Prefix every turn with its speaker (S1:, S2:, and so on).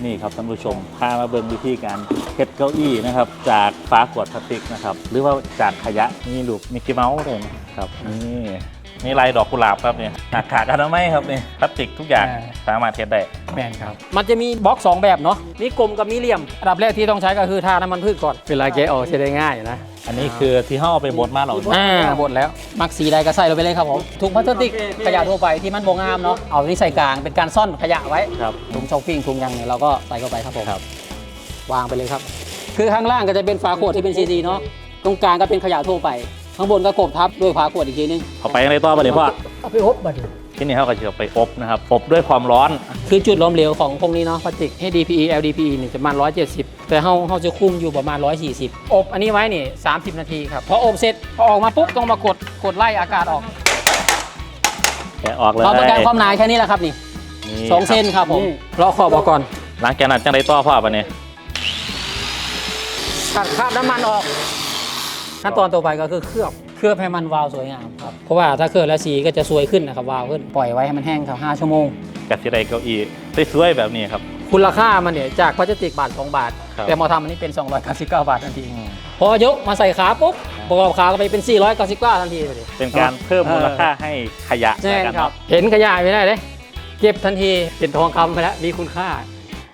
S1: นี่ครับท่านผู้ชมพามาเบิ่งวิธีการเฮ็ดเก้าอี้นะครับจากฝาขวดพลาสติกนะครับหรือว่าจากขยะนี่ลูกมิกกี้เมาส์เลยนะครับนี่ลายดอกกุหลาบครับเนี่ยหน้ากากอนามัยครับนี่พลาสติกทุกอย่างสามารถเฮ็ดได้
S2: แมนครับมันจะมีบล็อก2แบบเนาะมีกลมกับมีเหลี่ยมอันดับแรกที่ต้องใช้ก็คือทาน้ำมันพืชก่อนเวลาแกะออกใช้ได้ง่ายนะ
S1: อันนี้คือที่ห่อไปบดมาเรา
S2: บดแล้วมักสีใดก็ใส่ลงไปเลยครับผมถุงพลาสติกขยะทั่วไปที่มันบ่งามเนาะเอาที่ใส่กลางเป็นการซ่อนขยะไว้ถุงช้อปปิ้งถุงยังเนี่ยเราก็ใส่เข้าไปครับผมวางไปเลยครับคือข้างล่างก็จะเป็นฝาขวดที่เป็นซีดีเนาะตรงกลางก็เป็นขยะทั่วไปข้างบนก็กบทับด้วยฝาขวดอีกทีนึง
S1: เอาไปอะไรต่อไปเลยพ่อ
S2: เอาไปอบบัด
S1: ที่นี่เขาก็จะไปอบนะครับอบด้วยความร้อน
S2: คือจุดล้มเหลวของพวกนี้เนาะพลาสติก HDPE LDPE นี่จะประมาณ170แต่เขาจะคุมอยู่ประมาณ140อบอันนี้ไว้นี่30นาทีครับพออบเสร็จพอออกมาปุ๊บต้องมากดไล่อากาศออก
S1: แกะออกเลย
S2: เราต้องการความหนาแค่นี้แหละครับนี่2 เซนครับผมรอขอบออกก่อน
S1: หลังจากนั้นจังไรต่อพ่อปะเนี่ย
S2: ตัดคราบน้ำมันออกขั้นตอนต่อไปก็คือเคลือบให้มันวาวสวยงามครับเพราะว่าถ้าเคลือบแล้วสีก็จะสวยขึ้นนะครับวาวขึ้นปล่อยไว้ให้มันแห้งครับ5 ชั่วโมง
S1: กับที่ไรเก้าอี้สวยๆแบบนี้ครับ
S2: คุณราคามันเนี่ยจากพลาสติกบาท2 บาทแต่มาทำอันนี้เป็น299 บาททันทีพอยกมาใส่ขาปุ๊บประกอบขาก็ไปเป็น499ทันทีเลย
S1: เป็นการเพิ่มมูลค่าให้ขยะ
S2: แน่ครับเห็นขยะไม่ได้เลยเก็บทันทีเป็นทองคำไปแล้วมีคุณค่า